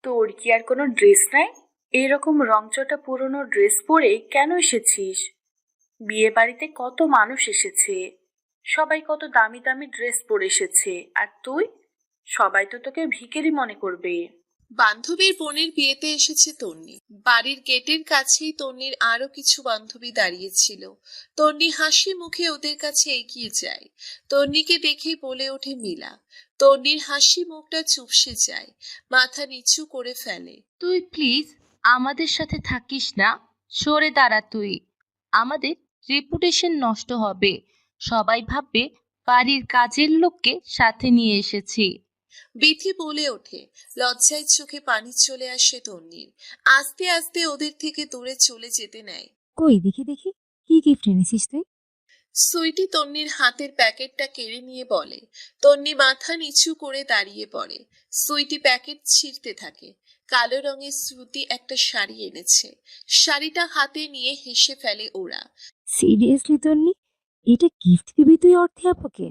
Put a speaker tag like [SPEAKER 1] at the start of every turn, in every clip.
[SPEAKER 1] তোর কি আর কোনো ড্রেস নাই? এরকম রংচটা পুরনো ড্রেস পরে কেন এসেছিস? বিয়ে বাড়িতে কত মানুষ এসেছে, সবাই কত দামি দামি ড্রেস পরে এসেছে, আর তুই? সবাই তো তোকে ভিখারি মনে করবে।
[SPEAKER 2] বান্ধবীর বোনের বিয়েতে এসেছে তন্নি। বাড়ির গেটের কাছেই তন্নির আরো কিছু বান্ধবী দাঁড়িয়েছিল। তন্নি হাসি মুখে ওদের কাছে এগিয়ে যায়। তন্নিকে দেখেই বলে ওঠে মিলা। তন্নির হাসি মুখটা চুপসে যায়, মাথা নিচু করে ফেলে।
[SPEAKER 3] তুই প্লিজ আমাদের সাথে থাকিস না, সরে দাঁড়া তুই। আমাদের রেপুটেশন নষ্ট হবে, সবাই ভাববে বাড়ির কাজের লোককে সাথে নিয়ে এসেছি।
[SPEAKER 2] বিথি বলে ওঠে। লজ্জায় চোখে পানি চলে আসে তন্নির। আস্তে আস্তে ওদের থেকে দূরে চলে যেতে নেয়।
[SPEAKER 4] কই দেখি দেখি, কি গিফট এনেছিস তুই?
[SPEAKER 2] সুইটি তন্নির হাতের প্যাকেটটা কেড়ে নিয়ে বলে। তন্নি মাথা নিচু করে দাঁড়িয়ে পড়ে। সুইটি প্যাকেট ছিঁড়তে থাকে। কালো রঙের শ্রুতি একটা শাড়ি এনেছে। শাড়িটা হাতে নিয়ে হেসে ফেলে ওরা।
[SPEAKER 4] সিরিয়াসলি তন্নি, এটা গিফট দিবি তুই অর্থে আপাকে?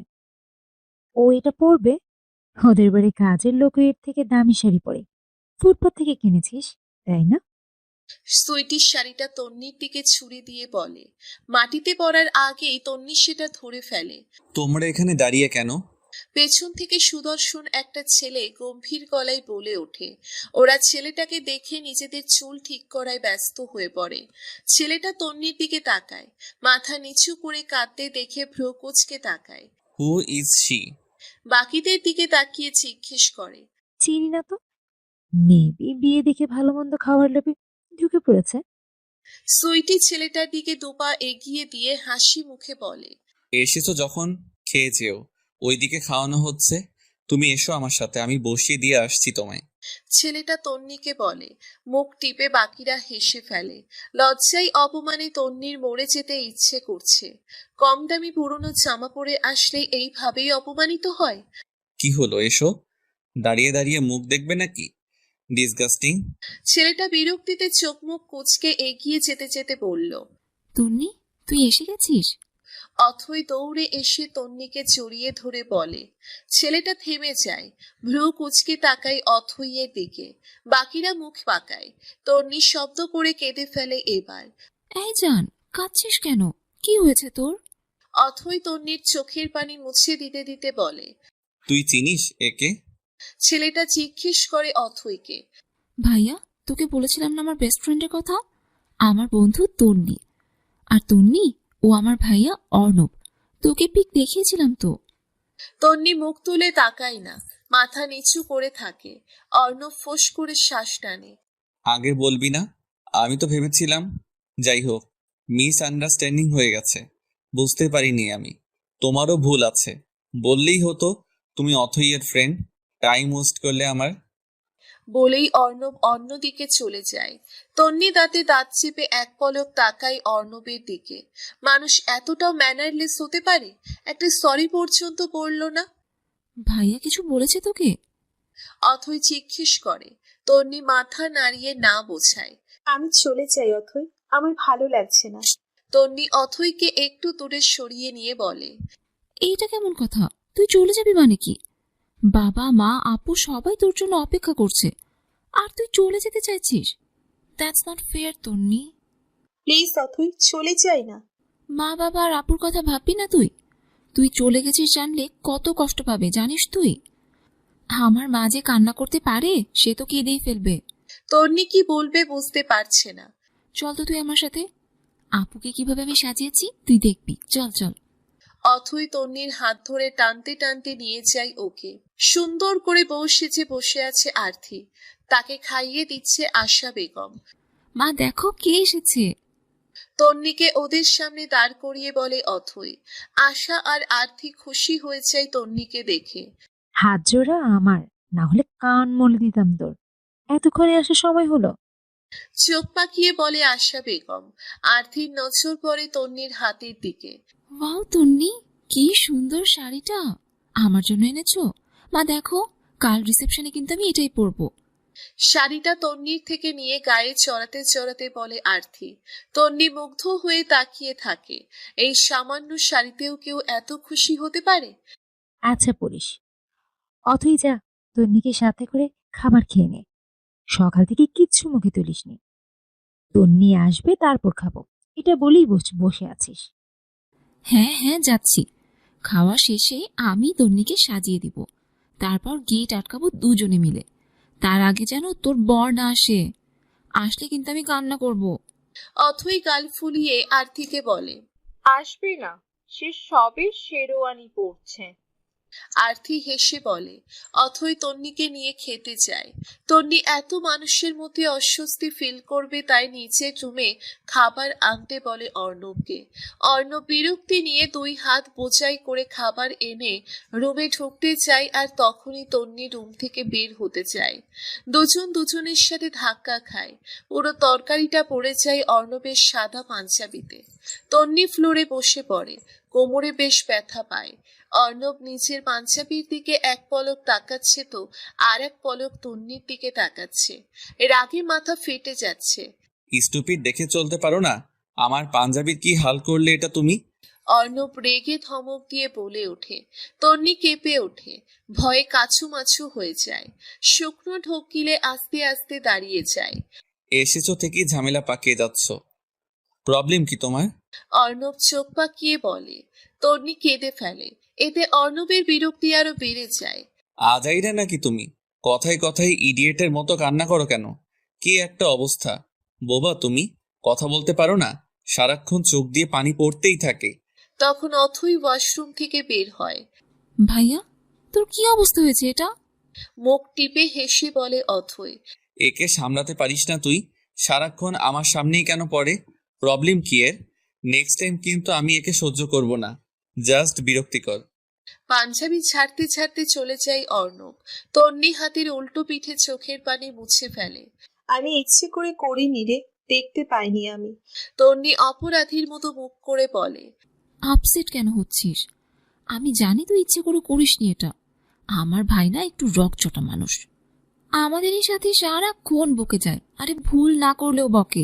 [SPEAKER 4] ও এটা পরবে? ওদের বাড়ি কাজের লোক এর থেকে দামি শাড়ি পরে, ফুটপাত থেকে কিনেছিস তাই না?
[SPEAKER 2] সুইটির শাড়িটা তন্নির দিকে ছুড়ে দিয়ে বলে। মাটিতে পড়ার আগেই তন্নি সেটা ধরে ফেলে।
[SPEAKER 5] তোমরা এখানে দাঁড়িয়ে কেন?
[SPEAKER 2] পেছন থেকে সুদর্শন একটা ছেলে গম্ভীর গলায় বলে ওঠে। ওরা ছেলেটাকে দেখে নিজেদের চুল ঠিক করায় ব্যস্ত হয়ে পড়ে। ছেলেটা তন্নির দিকে তাকায়, মাথা নিচু করে কাঁদতে দেখে ভ্রু কুঁচকে তাকায়।
[SPEAKER 5] Who is she?
[SPEAKER 2] বাকিদের দিকে তাকিয়ে জিজ্ঞেস করে।
[SPEAKER 4] চিনি না তো, মেবি বিয়ে দেখে ভালো মন্দ খাওয়ার লোভে ঢুকে পড়েছে।
[SPEAKER 2] সুইটি ছেলেটার দিকে দুপা এগিয়ে দিয়ে হাসি মুখে বলে।
[SPEAKER 5] এসেছো যখন খেয়ে যেও, ওইদিকে খাওয়ানো হচ্ছে। তুমি এসো আমার সাথে, আমি বসিয়ে দিয়ে আসছি তোমায়।
[SPEAKER 2] ছেলেটা তন্নিকে বলে। মুখ টিপে বাকিরা হেসে ফেলে। লজ্জায় অপমানে তন্নির মরে যেতে ইচ্ছে করছে। কম দামি পুরনো জামা পরে আসলে এইভাবেই অপমানিত হয়।
[SPEAKER 5] কি হলো, এসো। দাঁড়িয়ে দাঁড়িয়ে মুখ দেখবে নাকি? ডিসগাস্টিং।
[SPEAKER 2] ছেলেটা বিরক্তিতে চোখ মুখ কুঁচকে এগিয়ে যেতে যেতে বলল।
[SPEAKER 4] তন্নি, তুই এসে গেছিস?
[SPEAKER 2] অথই দৌড়ে এসে তন্নিকে জড়িয়ে ধরে বলে। ছেলেটা থেমে যায়, ভ্রু কুঁচকে তাকায় অথইয়ের দিকে। বাকিরা মুখ পাকায়। তন্নি শব্দ করে কেঁদে ফেলে এবার।
[SPEAKER 4] এই জান, কাঁদছিস কেন? কি হয়েছে তোর?
[SPEAKER 2] অথই তন্নির চোখের পানি মুছে দিতে দিতে বলে।
[SPEAKER 5] তুই চিনিস একে?
[SPEAKER 2] ছেলেটা জিজ্ঞেস করে অথইকে।
[SPEAKER 4] ভাইয়া, তোকে বলেছিলাম না আমার বেস্ট ফ্রেন্ডের কথা? আমার বন্ধু তন্নি। আর তন্নি, ও আমার ভাইয়া অর্ণব। তোকে পিক দেখিয়েছিলাম তো।
[SPEAKER 2] তন্নি মুখ তুলে তাকায় না, মাথা নিচু করে থাকে। অর্ণব ফোঁস করে শ্বাস টানে।
[SPEAKER 5] আগে বলবি না? আমি তো ভেবেছিলাম। যাই হোক, মিস আন্ডারস্ট্যান্ডিং হয়ে গেছে, বুঝতে পারিনি আমি। তোমারও ভুল আছে, বললেই হতো তুমি অথইয়ের ফ্রেন্ড। টাইম ওয়েস্ট করলে আমার।
[SPEAKER 2] বলেই অর্ণব অন্যদিকে চলে যায়। তন্নি দাঁতে দাঁত চেপে এক পলক তাকায় অর্ণবের দিকে। মানুষ এতটাও ম্যানারলেস হতে পারে? একটা সরি পর্যন্ত বলল না।
[SPEAKER 4] ভাইয়া কিছু বলেছে তোকে?
[SPEAKER 2] অথই জিজ্ঞেস করে। তন্নি মাথা নাড়িয়ে না বোঝায়।
[SPEAKER 6] আমি চলে যাই অথই, আমার ভালো লাগছে না।
[SPEAKER 2] তন্নি অথইকে একটু দূরে সরিয়ে নিয়ে বলে।
[SPEAKER 4] এইটা কেমন কথা? তুই চলে যাবি মানে কি? বাবা মা আপু সবাই তোর জন্য অপেক্ষা করছে, আর তুই চলে যেতে চাইছিস? That's not fair Tonni.
[SPEAKER 6] Please Othoi, চলে যাই না।
[SPEAKER 4] মা বাবা আর আপুর কথা ভাববি না তুই? তুই চলে গেছিস জানলে কত কষ্ট পাবে জানিস তুই? আমার মা যে কান্না করতে পারে, সে তো কেঁদেই ফেলবে।
[SPEAKER 2] তন্নি কি বলবে বুঝতে পারছে না।
[SPEAKER 4] চল তো তুই আমার সাথে, আপুকে কিভাবে আমি সাজিয়েছি তুই দেখবি, চল চল।
[SPEAKER 2] অথই তন্নির হাত ধরে টানতে টানতে নিয়ে যায় ওকে। সুন্দর করে বউ সেজে বসে আছে আরতি। তাকে খাইয়ে দিচ্ছে আশা বেগম।
[SPEAKER 4] মা দেখো কে এসেছে।
[SPEAKER 2] তন্নিকে ওদের সামনে দাঁড় করিয়ে বলে অথই। আশা আর আরতি খুশি হয়ে যায় তন্নিকে দেখে।
[SPEAKER 4] হাত জোড়া আমার, না হলে কান মলে দিতাম তোর। এতক্ষণে আসার সময় হলো?
[SPEAKER 2] চোখ পাকিয়ে বলে আশা বেগম। আরতির নজর পড়ে তন্নির হাতের দিকে।
[SPEAKER 4] ওয়াও তন্নি, কি সুন্দর শাড়িটা। আমার জন্য এনেছো? মা দেখো, কাল রিসেপশনে কিন্তু আমি এটাই পরবো।
[SPEAKER 2] শাড়িটা তন্নির থেকে নিয়ে গায়ে চড়াতে চড়াতে বলে আরতি। তন্নি মুগ্ধ হয়ে তাকিয়ে থাকে। এই সামান্য শাড়িতেও কেউ এত খুশি হতে পারে?
[SPEAKER 4] আচ্ছা পড়িস। অথই যা, তন্নিকে সাথে করে খাবার খেয়ে নে। সকাল থেকে কিচ্ছু মুখে তুলিসনি। তন্নি আসবে তারপর খাবো, এটা বলেই বসে আছিস।
[SPEAKER 7] হ্যাঁ হ্যাঁ যাচ্ছি। খাওয়া শেষে আমি তন্নিকে সাজিয়ে দিব, তারপর গেট আটকাবো দুজনে মিলে। তার আগে যেন তোর বর না আসে, আসলে কিন্তু আমি কান্না করব।
[SPEAKER 2] অথই গাল ফুলিয়ে আরতিকে বলে।
[SPEAKER 8] আসবে না, সে সবে শেরওয়ানি পরছে।
[SPEAKER 2] আরতি হেসে বলে। অথই তন্নিকে নিয়ে খেতে যায়। তন্নি এত মানুষের মধ্যে অস্বস্তি ফিল করবে তাই নিচে রুমে খাবার আনতে বলে অর্ণবকে। অর্ণব বিরক্তি নিয়ে 2 হাত বোঝাই করে খাবার এনে রুমে ঢুকতে চায়, আর তখনই তন্নি রুম থেকে বের হতে চায়। দুজন দুজনের সাথে ধাক্কা খায়। পুরো তরকারিটা পড়ে যায় অর্ণবের সাদা পাঞ্জাবিতে। তন্নি ফ্লোরে বসে পড়ে, কোমরে বেশ ব্যথা পায়। অর্ণব নিজের পাঞ্জাবির দিকে এক পলক তাকাচ্ছে তো আর এক পলক তন্নির দিকে তাকাচ্ছে। রাগে মাথা ফেটে যাচ্ছে।
[SPEAKER 5] স্টুপিড দেখে চলতে পারো না? আমার পাঞ্জাবির কি হাল করলে এটা তুমি?
[SPEAKER 2] অর্ণব রেগে ধমক দিয়ে বলে ওঠে। তন্নি কেঁপে ওঠে, ভয়ে কাছুমাছু হয়ে যায়। শুকনো ঢোক গিলে আস্তে আস্তে দাঁড়িয়ে যায়।
[SPEAKER 5] এসেছো থেকেই ঝামেলা পাকিয়ে যাচ্ছ, প্রবলেম কি তোমার?
[SPEAKER 2] অর্ণব চোখ পাকিয়ে বলে। তন্নি কেঁদে ফেলে। এতে অর্ণবের বিরক্তি আরো বেড়ে যায়।
[SPEAKER 5] আজাইরা নাকি তুমি? কথায় কথায় ইডিয়েটের মতো কান্না করো কেন? কি একটা অবস্থা! বোবা তুমি, কথা বলতে পারো না? সারাক্ষণ চোখ দিয়ে পানি পড়তেই থাকে।
[SPEAKER 2] তখন অথই ওয়াশরুম থেকে বের হয়।
[SPEAKER 7] ভাইয়া, তোর কি অবস্থা হয়েছে এটা?
[SPEAKER 2] মুখ টিপে হেসে বলে অথই।
[SPEAKER 5] একে সামলাতে পারিস না তুই? সারাক্ষণ আমার সামনেই কেন পড়ে? প্রবলেম কি এর? নেক্সট টাইম কিন্তু আমি একে সহ্য করব না, জাস্ট বিরক্তিকর।
[SPEAKER 2] পাঞ্জাবি ছাড়তে ছাড়তে চলে যায় অর্ণব। তন্নি হাতের উল্টো পিঠে চোখের পানি মুছে ফেলে।
[SPEAKER 6] আমি ইচ্ছে করে করিনি রে, দেখতে পাইনি আমি।
[SPEAKER 2] তন্নি অপরাধীর মতো মুখ করে বলে।
[SPEAKER 7] আপসেট কেন হচ্ছিস? আমি জানি তুই ইচ্ছে করে করিসনি এটা। আমার ভাই না একটু রকচটা মানুষ, আমাদেরই সাথে সারাক্ষণ বকে যায়। আরে ভুল না করলেও বকে।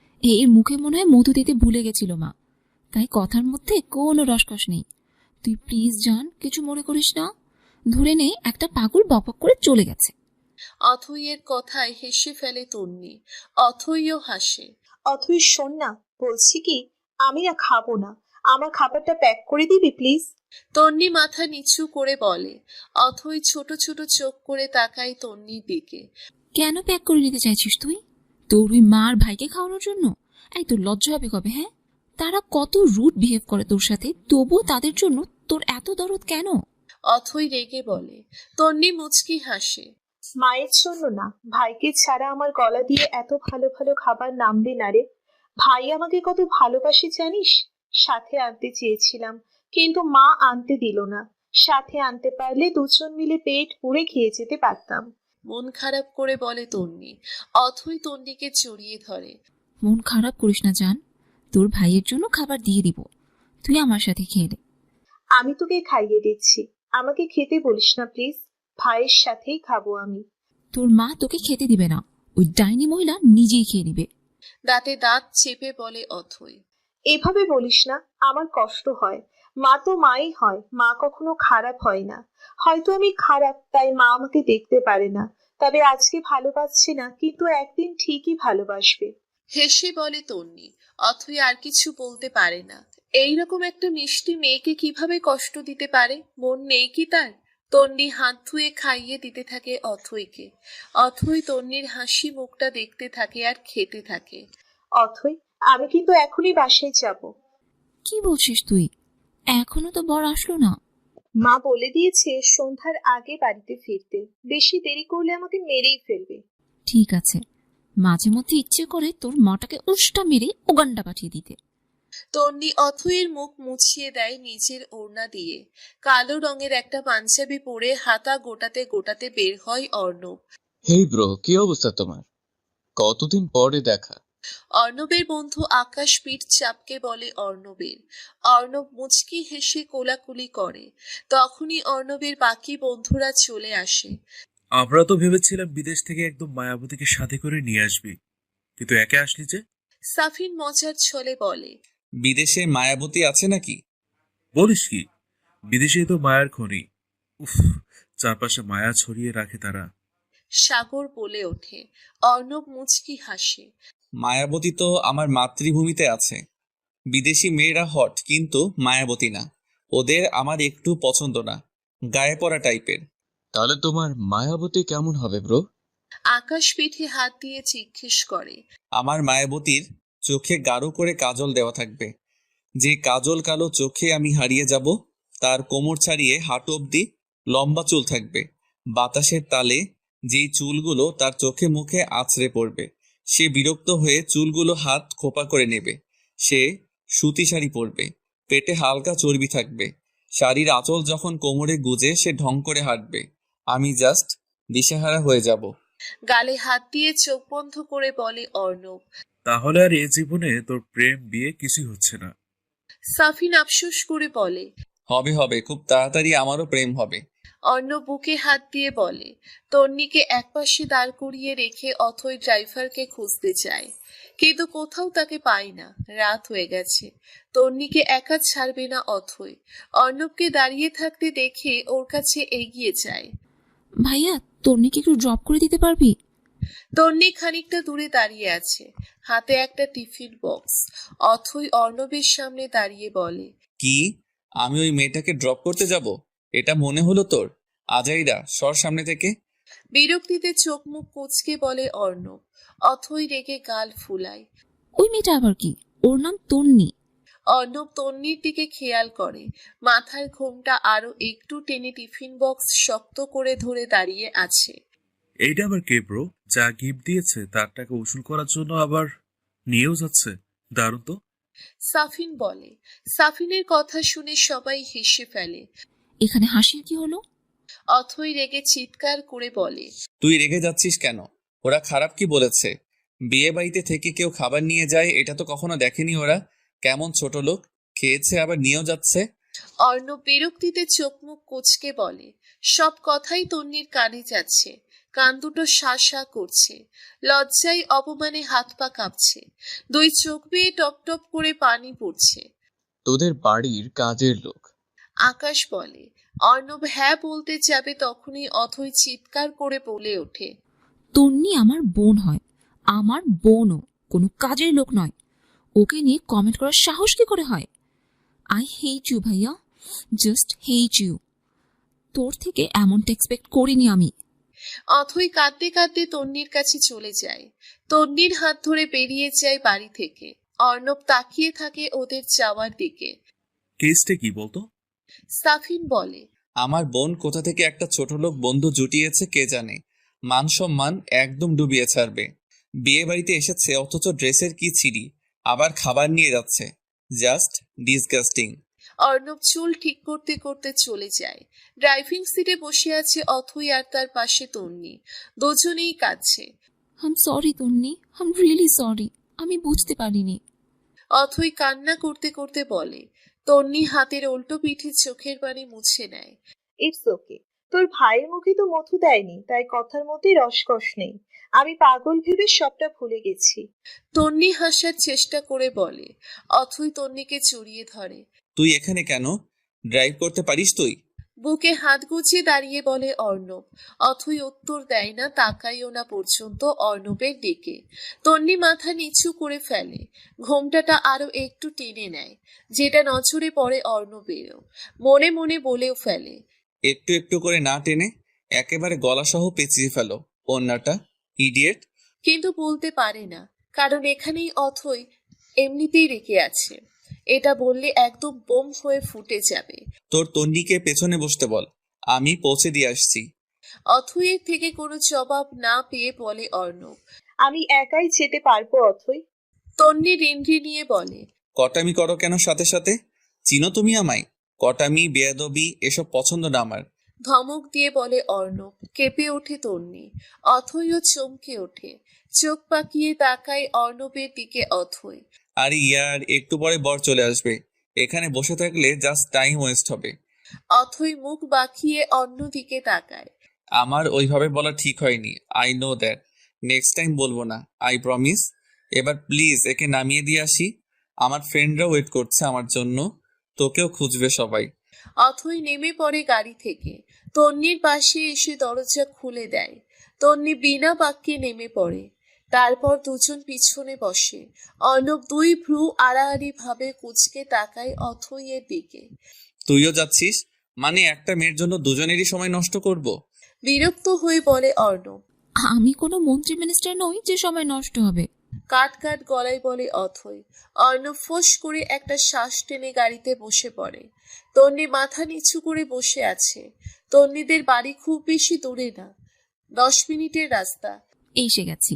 [SPEAKER 7] এর মুখে মনে হয় মধু দিতে ভুলে গেছিল মা, তাই কথার মধ্যে কোনো রসকস নেই। তুই প্লিজ জান, কিছু মনে করিস না। ধরে নে একটা পাগল বকবক করে চলে গেছে।
[SPEAKER 2] অথইয়ের কথায় হেসে ফেলে তন্নি। অথইও হাসে।
[SPEAKER 6] অথই শোন না, বলছি কি, আমি না খাবো না। আমার খাবারটা প্যাক করে দিবি প্লিজ?
[SPEAKER 2] তন্নি মাথা নিচু করে বলে। অথই ছোট ছোট চোখ করে তাকায় তন্নির দিকে।
[SPEAKER 7] কেন প্যাক করে নিতে চাইছিস তুই? তোর ওই মার ভাইকে খাওয়ানোর জন্য? এই তোর লজ্জা হবে কবে? হ্যাঁ, তারা কত রুড বিহেভ করে তোর সাথে, তবুও তাদের জন্য তোর এত দরদ কেন?
[SPEAKER 2] অথই রেগে বলে। তন্নি মুচকি হাসে।
[SPEAKER 6] মায়ের জন্য না, ভাইকে ছাড়া আমার গলা দিয়ে এত ভালো ভালো খাবার নামবে না রে। ভাই আমাকে কত ভালোবাসে জানিস? সাথে আনতে চেয়েছিলাম, কিন্তু মা আনতে দিল না। সাথে আনতে পারলে দুজন মিলে পেট পুড়ে খেয়ে যেতে পারতাম।
[SPEAKER 2] মন খারাপ করে বলে তন্নি। অথই তন্নিকে জড়িয়ে ধরে।
[SPEAKER 7] মন খারাপ করিস না জান, তোর ভাইয়ের জন্য খাবার দিয়ে দিব, তুই আমার সাথে খেয়ে নে।
[SPEAKER 6] আমি তোকে খাইয়ে দিচ্ছি, আমাকে খেতে বলিস না প্লিজ। ভাইয়ের সাথেই খাবো আমি।
[SPEAKER 7] তোর মা তোকে খেতে দিবে না, ওই ডাইনি মহিলা নিজেই খেয়ে নিবে।
[SPEAKER 2] দাঁতে দাঁত চেপে বলে অথই।
[SPEAKER 6] এভাবে বলিস না, আমার কষ্ট হয়। মা তো মাই হয়, মা কখনো খারাপ হয় না। হয়তো আমি খারাপ তাই মা আমাকে দেখতে পারে না, তবে আজকে ভালোবাসছে না, কিন্তু একদিন ঠিকই ভালোবাসবে।
[SPEAKER 2] হেসে বলে তন্নি। অথই আর কিছু বলতে পারে না। এইরকম একটা মিষ্টি মেয়েকে কিভাবে কষ্ট দিতে পারে? মন নেই কি তার? তন্নি হাত ধুয়ে খাইয়ে দিতে থাকে অথইকে। অথই তন্নির হাসি মুখটা দেখতে থাকে আর খেতে থাকে।
[SPEAKER 6] অথই, আমি কিন্তু এখনই বাসায় যাব।
[SPEAKER 7] কি বলছিস তুই? এখনো তো বর আসলো না।
[SPEAKER 6] মা বলে দিয়েছে সন্ধ্যার আগে বাড়িতে ফিরতে, বেশি দেরি করলে আমাকে মেরেই ফেলবে।
[SPEAKER 7] ঠিক আছে, মাঝে মধ্যে ইচ্ছে করে তোর মাটাকে উষ্টা মেরে উগান্ডা পাঠিয়ে দিতে।
[SPEAKER 2] তন্নি অথইয়ের মুখ মুছিয়ে দেয় নিজের ওড়না দিয়ে। কালো রঙের একটা পাঞ্জাবি পরে হাতা গোটাতে গোটাতে বের হয় অর্ণব।
[SPEAKER 9] হেই ব্রো, কি অবস্থা তোমার? কতদিন পরে দেখা।
[SPEAKER 2] অর্ণবের বন্ধু আকাশ পিঠ চাপকে বলে অর্ণবের। অর্ণব মুচকি হেসে কোলাকুলি করে। তখনই অর্ণবের বাকি বন্ধুরা চলে আসে।
[SPEAKER 10] আমরা তো ভেবেছিলাম বিদেশ থেকে একদম মায়াবতীকে সাথে করে নিয়ে আসবি, কিন্তু একে আসলি যে?
[SPEAKER 2] সাফিন মজার ছলে বলে।
[SPEAKER 5] বিদেশে মায়াবতী আছে নাকি?
[SPEAKER 10] বলিস কি, বিদেশে তো মায়ার খনি। উফ, চারপাশে মায়া ছড়িয়ে রাখে তারা।
[SPEAKER 2] সাগর বলে ওঠে। অর্ণব মুচকি হাসে।
[SPEAKER 5] মায়াবতী তো আমার মাতৃভূমিতে আছে। বিদেশি মেয়েরা হট কিন্তু মায়াবতী না। ওদের আমার একটু পছন্দ না, গায়ে পড়া টাইপের।
[SPEAKER 9] তাহলে তোমার মায়াবতী কেমন হবে ব্রো?
[SPEAKER 2] আকাশ পিঠে হাত দিয়ে জিজ্ঞেস করে।
[SPEAKER 5] আমার মায়াবতীর চোখে গাঢ় করে কাজল দেওয়া থাকবে। যে কাজল কালো চোখে আমি হারিয়ে যাব, তার কোমর ছাড়িয়ে হাঁটু অব্দি লম্বা চুল থাকবে। বাতাসের তালে যেই চুলগুলো তার চোখে মুখে আছড়ে পড়বে, সে বিরক্ত হয়ে চুলগুলো হাত খোপা করে নেবে। সে সুতি শাড়ি পরবে, পেটে হালকা চর্বি থাকবে। শাড়ির আঁচল যখন কোমরে গুজে সে ঢং করে হাঁটবে, আমি জাস্ট দিশেহারা হয়ে যাব।
[SPEAKER 2] গালে হাত দিয়ে চোখ বন্ধ করে বলে অর্ণব।
[SPEAKER 10] তাহলে আর এ জীবনে তোর প্রেম বিয়ে কিছুই হচ্ছে না।
[SPEAKER 2] সাফিন আফসোস করে বলে।
[SPEAKER 5] হবে হবে, খুব তাড়াতাড়ি আমারও প্রেম হবে।
[SPEAKER 2] অর্ণব বুকে হাত দিয়ে বলে। তন্নিকে একপাশে দাঁড় করিয়ে রেখে অথই ড্রাইভারকে খুঁজতে চায়, কিন্তু কোথাও তাকে পায় না। রাত হয়ে গেছে, তন্নিকে একা ছাড়বে না অথই। অর্ণবকে দাঁড়িয়ে থাকতে দেখে ওর কাছে এগিয়ে যায়।
[SPEAKER 7] ভাইয়া তন্নিকে একটু ড্রপ করে দিতে পারবি?
[SPEAKER 2] তন্নি খানিকটা দূরে দাঁড়িয়ে আছে, হাতে একটা টিফিন বক্স। অথই অর্ণবের সামনে দাঁড়িয়ে বলে।
[SPEAKER 5] কি, আমি ওই মেয়েটাকে ড্রপ করতে যাব? এটা মনে হলো তোর? আজাইরা, সর সামনে থেকে।
[SPEAKER 2] বিরক্তিতে চোখ মুখ কুঁচকে বলে অর্ণব। অথই রেগে গাল ফুলায়।
[SPEAKER 7] ওই মেয়েটা আবার কি? ওর নাম তন্নি।
[SPEAKER 2] অর্ণব তন্নির দিকে খেয়াল করে, মাথার ঘোমটা আরো একটু টেনে টিফিন বক্স শক্ত করে ধরে দাঁড়িয়ে আছে।
[SPEAKER 10] এইটা আবার কে ব্রো? যা গিফট দিয়েছে তার টাকা উসুল করার জন্য আবার নিয়েও যাচ্ছে। দারুণ তো।
[SPEAKER 2] সাফিন বলে। সাফিনের কথা শুনে সবাই হেসে ফেলে।
[SPEAKER 7] এখানে হাসির কি হলো?
[SPEAKER 2] অথই রেগে চিৎকার করে বলে।
[SPEAKER 5] তুই রেগে যাচ্ছিস কেন? ওরা খারাপ কি বলেছে? বিয়ে বাড়িতে থেকে কেউ খাবার নিয়ে যায়, এটা তো কখনো দেখেনি ওরা। কেমন ছোট লোক, খেয়েছে আবার নিয়েও যাচ্ছে।
[SPEAKER 2] অর্ণব বিরক্তিতে চোখ মুখ কুঁচকে বলে। সব কথাই তন্নির কানে যাচ্ছে, কান দুটো শা শা করছে। লজ্জায় অপমানে হাত পা কাঁপছে, দুই চোখ বেয়ে টপ টপ করে পানি পড়ছে।
[SPEAKER 9] তোদের বাড়ির কাজের লোক?
[SPEAKER 2] আকাশ বলে। অর্ণব হ্যাঁ বলতে যাবে তখনই অথই চিৎকার করে বলে ওঠে।
[SPEAKER 7] তন্নি আমার বোন হয়, আমার বোনও, কোনো কাজের লোক নয়। ওকে নিয়ে কমেন্ট করার সাহস কি করে হয়? আই হেট ইউ ভাইয়া, জাস্ট হেট ইউ। তোর থেকে এমনটা এক্সপেক্ট করিনি আমি।
[SPEAKER 2] অথই কাঁদতে কাঁদতে তন্নির কাছে চলে যায়। তন্নির হাত ধরে বেরিয়ে যায় বাড়ি থেকে। অর্ণব তাকিয়ে থাকে ওদের যাওয়ার দিকে।
[SPEAKER 10] কেসটা কি বলতো?
[SPEAKER 2] সাফিন বলে।
[SPEAKER 5] আমার বোন কোথা থেকে একটা ছোট লোক বন্ধু জুটিয়েছে কে জানে। মান সম্মান একদম ডুবিয়ে ছাড়বে। বিয়ে বাড়িতে এসেছে অথচ ড্রেসের কি ছিঁড়ি, আবার খাবার নিয়ে যাচ্ছে। Just disgusting.
[SPEAKER 2] অর্ণব চুল ঠিক করতে করতে চলে যায়। ড্রাইভিং সিটে বসে আছে অথই আর তার পাশে তন্নি। দুজনেই কাঁদছে।
[SPEAKER 7] I'm sorry Tonni, I'm really sorry, আমি বুঝতে পারিনি।
[SPEAKER 2] অথই কান্না করতে করতে বলে। তন্নি হাতের উল্টো পিঠে চোখের পানি মুছে নেয়।
[SPEAKER 6] ইটস ওকে, তোর ভাইয়ের মুখে তো মধু দেয়নি, তাই কথার মধ্যে রসকস নেই। আমি পাগল ভেবে সবটা ভুলে গেছি।
[SPEAKER 2] তন্নি হাসার চেষ্টা করে বলে। অথই তন্নিকে জড়িয়ে ধরে।
[SPEAKER 5] তুই এখানে কেন? ড্রাইভ করতে পারিস তুই?
[SPEAKER 2] বুকে হাত গুছিয়ে দাঁড়িয়ে বলে অর্ণব। অথই উত্তর দেয় না, তাকাইও না পর্যন্ত অর্ণবের দিকে। তন্নি মাথা নিচু করে ফেলে, ঘোমটাটা আরো একটু টেনে নেয়, যেটা নজরে পড়ে অর্ণবেরও। মনে মনে বলেও ফেলে।
[SPEAKER 5] একটু একটু করে না টেনে একেবারে গলাসহ পেঁচিয়ে ফেলো ওড়নাটা, ইডিয়েট।
[SPEAKER 2] কিন্তু বলতে পারে না, কারণ এখানেই অথই এমনিতেই রেখে আছে। এটা বললে একদম বোম হয়ে ফুটে যাবে।
[SPEAKER 5] তোর তন্নিকে পেছনে বসতে বল, আমি পৌঁছে দিয়ে আসছি।
[SPEAKER 2] অথইয়ের থেকে কোনো জবাব না পেয়ে বলে অর্ণব।
[SPEAKER 6] আমি একাই যেতে পারবো অথই।
[SPEAKER 2] তন্নি রিনরি নিয়ে বলে।
[SPEAKER 5] কটামি করো কেন সাথে সাথে? চিনো তুমি আমায়? কটামি বেয়াদবি এসব পছন্দ না আমার।
[SPEAKER 2] ধমক দিয়ে বলে অর্ণব। কেঁপে ওঠে তন্নি। অথইও চমকে ওঠে, চোখ পাকিয়ে তাকায় অর্ণবের দিকে অথই।
[SPEAKER 5] আর ইয়ার একটু পরে বর চলে আসবে, এখানে বসে থাকলে জাস্ট টাইম ওয়েস্ট হবে।
[SPEAKER 2] অথই মুখ বাঁকিয়ে অন্যদিকে তাকায়।
[SPEAKER 5] আমার ওইভাবে বলা ঠিক হয়নি, I know that. Next time বলবো না, আই প্রমিস। এবার প্লিজ একে নামিয়ে দিয়ে আসি, আমার ফ্রেন্ডরা ওয়েট করছে আমার জন্য, তোকেও খুঁজবে সবাই।
[SPEAKER 2] অথই নেমে পড়ে গাড়ি থেকে, তন্নির পাশে এসে দরজা খুলে দেয়। তন্নি বিনা বাক্যে নেমে পড়ে। তারপর দুজন পিছনে বসে। অর্ণব দুই ভ্রু আড়াআড়ি ভাবে কুঁচকে তাকায় অথইয়ের দিকে।
[SPEAKER 5] তুইও যাচ্ছিস? মানে একটা মেয়ের জন্য দুজনেরই সময় নষ্ট করব?
[SPEAKER 2] বিরক্ত হয়ে বলে অর্ণব।
[SPEAKER 7] আমি কোনো মন্ত্রী মিনিস্টার নই যে সময় নষ্ট হবে।
[SPEAKER 2] কাট কাট গলায় বলে অথই। অর্ণব ফোঁস করে একটা শ্বাস টেনে গাড়িতে বসে পড়ে। তন্নি মাথা নিচু করে বসে আছে। তন্নিদের বাড়ি খুব বেশি দূরে না, 10 মিনিটের রাস্তা।
[SPEAKER 7] এসে গেছি।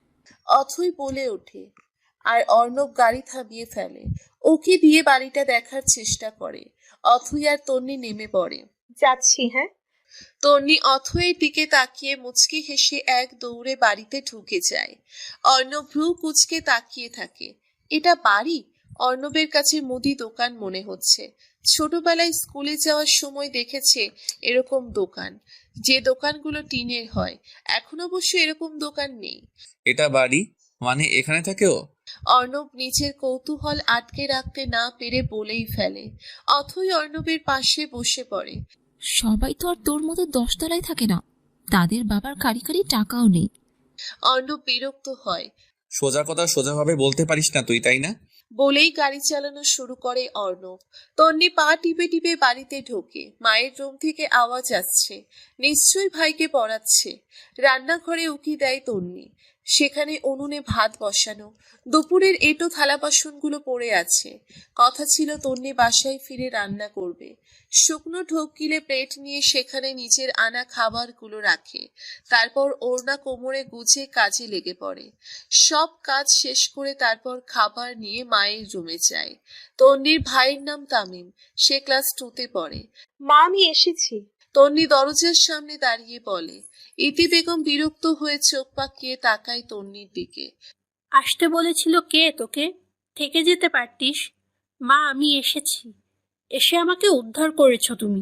[SPEAKER 2] অথই বলে ওঠে। আর অর্ণব গাড়ি থামিয়ে ফেলে। ওকে দিয়ে বাড়িটা দেখার চেষ্টা করে। অথই আর তন্নি নেমে পড়ে।
[SPEAKER 6] যাচ্ছি, হ্যাঁ।
[SPEAKER 2] তন্নি অথয়ের দিকে তাকিয়ে মুচকি হেসে এক দৌড়ে বাড়িতে ঢুকে যায়। অর্ণব ভ্রু কুচকে তাকিয়ে থাকে। এটা বাড়ি? অর্ণবের কাছে মুদি দোকান মনে হচ্ছে। ছোটবেলায় স্কুলে যাওয়ার সময় দেখেছে এরকম দোকান, যে দোকানগুলো টিনের হয়। এখন অবশ্য এরকম দোকান নেই।
[SPEAKER 5] এটা বাড়ি? মানে এখানে থাকে ও?
[SPEAKER 2] অর্ণব নিজের কৌতূহল আটকে রাখতে না পেরে বলেই ফেলে। অথই অর্ণবের পাশে বসে পড়ে।
[SPEAKER 7] সবাই তো আর তোর মতো 10 তলায় থাকে না, তাদের বাবার কারি কারি টাকাও নেই।
[SPEAKER 2] অর্ণব বিরক্ত হয়।
[SPEAKER 5] সোজা কথা সোজাভাবে বলতে পারিস না তুই, তাই না?
[SPEAKER 2] বলেই গাড়ি চালানো শুরু করে অর্ণব। তন্নি পা টিপে টিপে বাড়িতে ঢোকে। মায়ের রুম থেকে আওয়াজ আসছে, নিশ্চয়ই ভাইকে পড়াচ্ছে। রান্নাঘরে উকি দেয় তন্নি। সেখানে উনুনে ভাত বসানো। দুপুরের এঁটো থালা বাসনগুলো পড়ে আছে। কথা ছিল তন্নি বাসায় ফিরে রান্না করবে। শুকনো ঢোক গিলে প্লেট নিয়ে সেখানে নিজের আনা খাবারগুলো রাখে। তারপর ওড়না কোমরে গুজে কাজে লেগে পড়ে। সব কাজ শেষ করে তারপর খাবার নিয়ে মায়ের রুমে যায়। তন্নির ভাইয়ের নাম তামিম। সে ক্লাস 2-তে পড়ে।
[SPEAKER 6] মা, আমি এসেছি।
[SPEAKER 2] তন্নি দরজার সামনে দাঁড়িয়ে বলে। ইতি বেগম বিরক্ত হয়ে চোখ পাকিয়ে তাকায় তন্নির দিকে।
[SPEAKER 11] আসতে বলেছিল কে তোকে? থেকে যেতে পারতিস। মা, আমি এসেছি। এসে আমাকে উদ্ধার করেছো তুমি।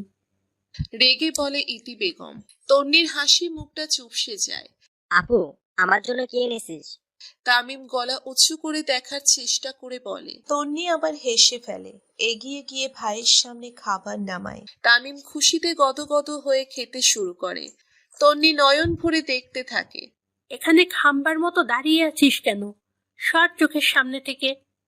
[SPEAKER 2] রেগে বলে ইতি বেগম। তন্নির হাসি মুখটা চুপসে যায়।
[SPEAKER 12] আপু, আমার জন্য কি এনেছিস?
[SPEAKER 2] তামিম গলা উঁচু করে দেখার চেষ্টা করে বলে।
[SPEAKER 6] তন্নি আবার হেসে ফেলে। এগিয়ে গিয়ে ভাইয়ের সামনে খাবার নামায়।
[SPEAKER 2] তামিম খুশিতে গদগদ হয়ে খেতে শুরু করে। তন্নি নয়ন ভরে দেখতে থাকে।
[SPEAKER 11] এখানে খাম্বার মতো দাঁড়িয়ে আছিস কেন? সর চোখের সামনে থেকে।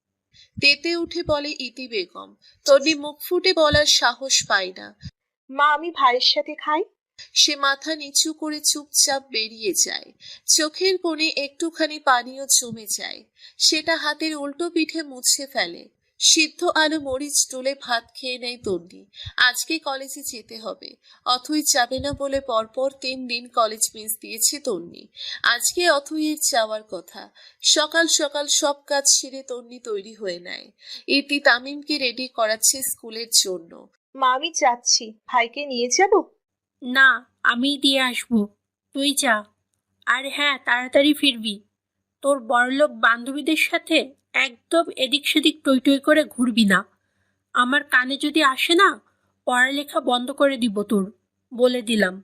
[SPEAKER 2] তেতে উঠে বলে ইতি বেগম। তন্নি মুখ ফুটে বলার সাহস পায় না।
[SPEAKER 6] মা, আমি ভাইয়ের সাথে খাই।
[SPEAKER 2] সে মাথা নিচু করে চুপচাপ বেরিয়ে যায়। চোখের কোণে একটুখানি পানিও জমে যায়। সেটা হাতের উল্টো পিঠে মুছে ফেলে। সিদ্ধ আলু মরিচ তুলে ভাত খেয়ে নেয় তন্নি। আজকে কলেজে যেতে হবে। অথই যাবে না বলে পরপর 3 দিন কলেজ মিস দিয়েছে তন্নি। আজকে অথইয়ের যাওয়ার কথা। সকাল সকাল সব কাজ সেরে তন্নি তৈরি হয়ে নেয়। ইতি তামিমকে রেডি করাচ্ছে স্কুলের জন্য।
[SPEAKER 6] মা, আমি যাচ্ছি। ভাইকে নিয়ে যাব?
[SPEAKER 11] না, আমি দিয়ে আসবো। তুই যা। আর হ্যাঁ, তাড়াতাড়ি ফিরবি। তোর বড়লোক বান্ধবীদের সাথে একদম এদিক সেদিক টই টই করে ঘুরবি না। আমার কানে যদি আসে না, পড়ালেখা বন্ধ করে দিব তোর, বলে দিলাম।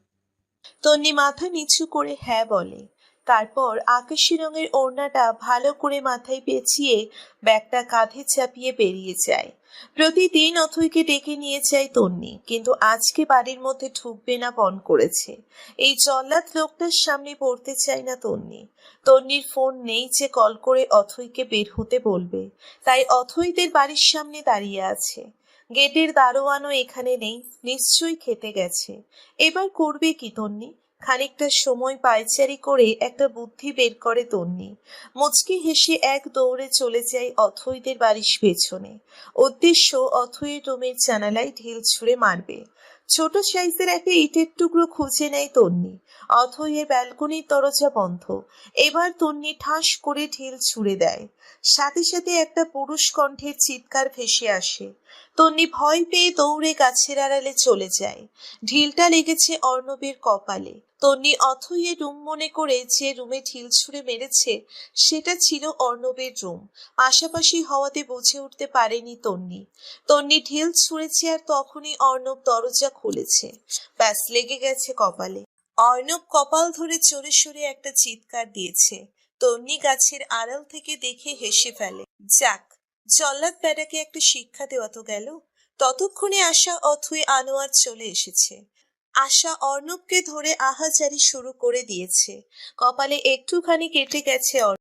[SPEAKER 6] তন্নি মাথা নিচু করে হ্যাঁ বলে। তারপর আকাশি রঙের ওড়নাটা ভালো করে মাথায় পেঁচিয়ে ব্যাগটা কাঁধে চাপিয়ে বেরিয়ে যায়। প্রতিদিন অথইকে ডেকে নিয়ে যায় তন্নি, কিন্তু আজকে বাড়ির মধ্যে ঢুকবে না পণ করেছে। এই জল্লাদ লোকটার সামনে পড়তে চায় না তন্নি। তন্নির ফোন নেই যে কল করে অথইকে বের হতে বলবে, তাই অথইদের বাড়ির সামনে দাঁড়িয়ে আছে। গেটের দারোয়ানও এখানে নেই, নিশ্চয়ই খেতে গেছে। এবার করবে কি তন্নি? খানিকটা সময় পায়চারি করে একটা বুদ্ধি বের করে তন্নি। মুচকি হেসে এক দৌড়ে চলে যায় অথইদের বাড়ির পেছনে। উদ্দেশ্য অথইয়ের রুমের জানালায় ঢিল ছুঁড়ে মারবে। ছোট সাইজের একটা ইটের টুকরো খুঁজে নেয় তন্নি। অথইয়ের ব্যালকনির দরজা বন্ধ। এবার তন্নি ঠাস করে ঢিল ছুঁড়ে দেয়। সাথে সাথে একটা পুরুষ কণ্ঠের চিৎকার ভেসে আসে। তন্নি ভয় পেয়ে দৌড়ে গাছের আড়ালে চলে যায়। ঢিলটা লেগেছে অর্ণবের কপালে। তন্নি অথইয়ের রুম মনে করে যে রুমে ঢিল ছুঁড়ে মেরেছে সেটা ছিল অর্ণবের রুম। পাশাপাশি হওয়াতে বুঝে উঠতে পারেনি তন্নি। তন্নি ঢিল ছুঁড়েছে আর তখনই অর্ণব দরজা খুলেছে। ব্যাস, লেগে গেছে কপালে। অর্ণব কপাল ধরে চড়ে সরে একটা চিৎকার দিয়েছে। তন্নি গাছের আড়াল থেকে দেখে হেসে ফেলে। যাক, জল্লাদ বেটাকে একটা শিক্ষা দেওয়া তো গেল। ততক্ষণে আসা অথই আনোয়ার চলে এসেছে। আশা অর্ণবকে ধরে আহাজারি শুরু করে দিয়েছে। কপালে একটুখানি কেটে গেছে